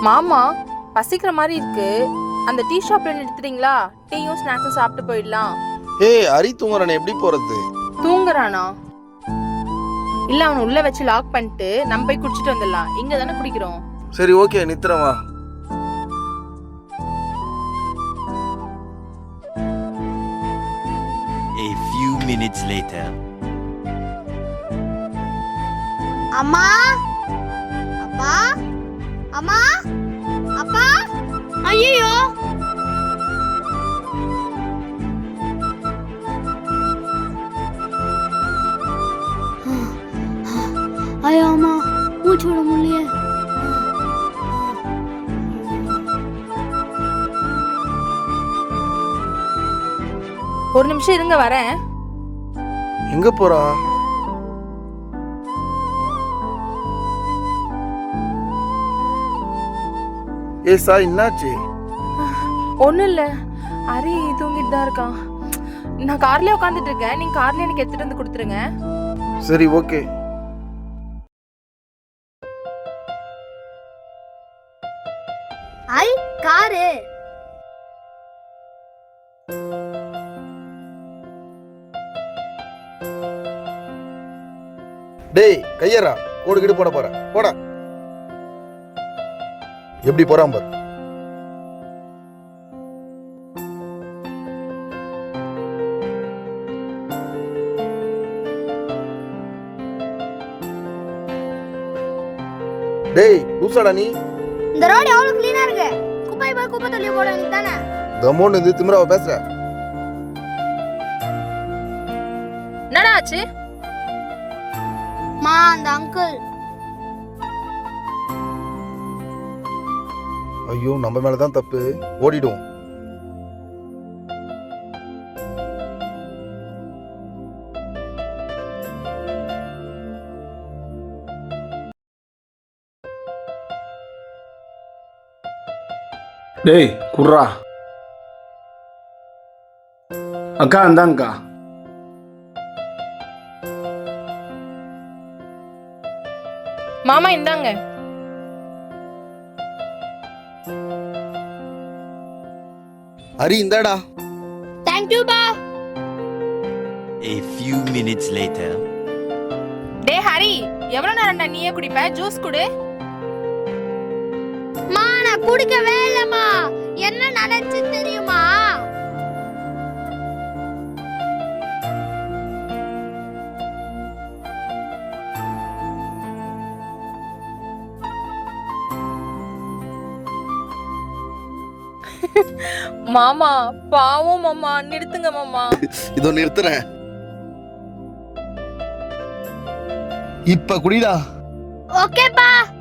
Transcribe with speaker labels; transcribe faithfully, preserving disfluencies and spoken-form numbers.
Speaker 1: மாமா பசிக்கிற மாதிரி இருக்கு, அந்த டீ ஷாப்ல நிறுத்துறீங்களா? டீயும் ஸ்நாக்ஸும் சாப்பிட்டு போயிடலாம்.
Speaker 2: ஏய் ஹரி தூங்குறானே, எப்படி போறது?
Speaker 1: தூங்குறானா? இல்ல அவனை உள்ள வச்சு லாக் பண்ணிட்டு நம்ம போய் குடிச்சிட்டு வந்துடலாம். இங்க தானே குடிக்கிறோம்.
Speaker 2: சரி ஓகே, நித்துறேன் வா.
Speaker 3: A few minutes later.
Speaker 4: அம்மா அப்பா அம்மா அப்பா ஐயோ ஐயோ அம்மா மூச்சு விட முடியல.
Speaker 1: ஒரு நிமிஷம் இருங்க, வரேன்.
Speaker 2: எங்க போறா? ஏ சாய், என்னாச்சு?
Speaker 1: ஒண்ணும் இல்ல, ஹரி தூங்கிட்டு தான் இருக்கான். நான் கார்லயே உட்காந்துட்டு இருக்கேன், நீங்க கார்ல எனக்கு எடுத்துட்டு வந்து கொடுத்துருங்க.
Speaker 2: சரி ஓகே.
Speaker 4: ஐ காரு
Speaker 2: டேய் கையரா, கோடு கிடு போட போற போடா. எப்படி போறான் பாரு. டேய் லூசாடா நீ.
Speaker 4: இந்த ரோடு எவ்வளவு கிளீனா இருக்கு. குப்பை போய் குப்பை தள்ளி போட வேண்டியதானே.
Speaker 2: தமோன்னு இது திமிராவ பேசுற.
Speaker 1: என்னடா ஆச்சு?
Speaker 4: மா அந்த அங்கிள்.
Speaker 2: ஐயோ நம்ம மேலதான் தப்பு, ஓடிடும்.
Speaker 5: டேய் குர்ரா. அக்கா இந்தாங்கக்கா.
Speaker 1: மாமா இந்தாங்க.
Speaker 2: ஹரி இந்தாடா.
Speaker 4: தேங்க் யூ பா.
Speaker 3: A few minutes later.
Speaker 1: டே ஹரி, எவ்வளவு நேரம்டா நீயே குடிப்ப? ஜூஸ் குடு.
Speaker 4: மா நான் குடிக்கவே இல்லம்மா. என்ன நடந்துச்சு தெரியுமா?
Speaker 1: மாமா பாவம் மாமா, நிறுத்துங்க மாமா.
Speaker 2: இதோ நிறுத்துறேன். இப்ப குடிடா.
Speaker 4: ஓகே பா.